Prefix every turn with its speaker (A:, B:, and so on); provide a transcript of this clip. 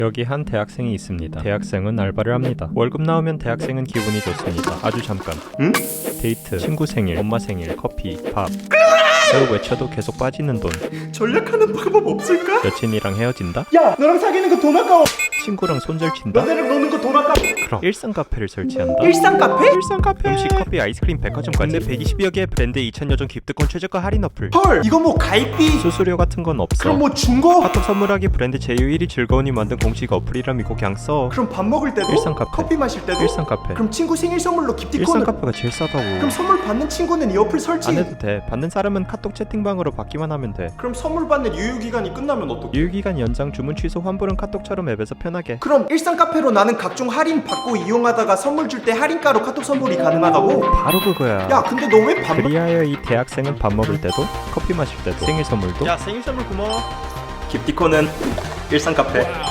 A: 여기 한 대학생이 있습니다. 대학생은 알바를 합니다. 월급 나오면 대학생은 기분이 좋습니다. 아주 잠깐.
B: 응?
A: 데이트, 친구 생일, 엄마 생일, 커피, 밥. 그걸 외쳐도 계속 빠지는 돈.
B: 전략하는 방법 없을까?
A: 여친이랑 헤어진다?
B: 야, 너랑 사귀는 거 돈 아까워.
A: 친구랑 손절친다?
B: 너네랑 노는 거 돈 아까워.
A: 그럼 일상 카페를 설치한다?
B: 일상 카페?
A: 일상 카페! 음식, 커피, 아이스크림, 백화점까지 국내 120여 개 브랜드 2,000여 종 기프트권 최저가 할인 어플.
B: 헐, 이거 뭐 가입비?
A: 수수료 같은 건 없어.
B: 그럼 뭐 중고?
A: 카톡 선물하기 브랜드 제휴 1위 즐거운이 만든 공식 어플이라 믿고 그냥 써.
B: 그럼 밥 먹을 때도?
A: 일상 카페.
B: 커피 마실 때도?
A: 일상 카페.
B: 그럼 친구 생일 선물로
A: 일상
B: 기프티콘을?
A: 카페가 제일 싸다고.
B: 그럼 선물 받는 친구는 이 어플 설치?
A: 안 해도 돼. 받는 사람은 카톡 채팅방으로 받기만 하면 돼.
B: 그럼 선물 받는 유효기간이 끝나면 어떡해?
A: 유효기간 연장, 주문 취소, 환불은 카톡처럼 앱에서 편하게.
B: 그럼 일상 카페로 나는 각종 할인 받고 이용하다가 선물 줄 때 할인가로 카톡 선물이 가능하다고?
A: 바로 그거야.
B: 야, 근데 너 왜 밥?
A: 그리하여 이 대학생은 밥 먹을 때도, 커피 마실 때도, 생일 선물도.
B: 야, 생일 선물 고마워. 기프티콘은 일상 카페.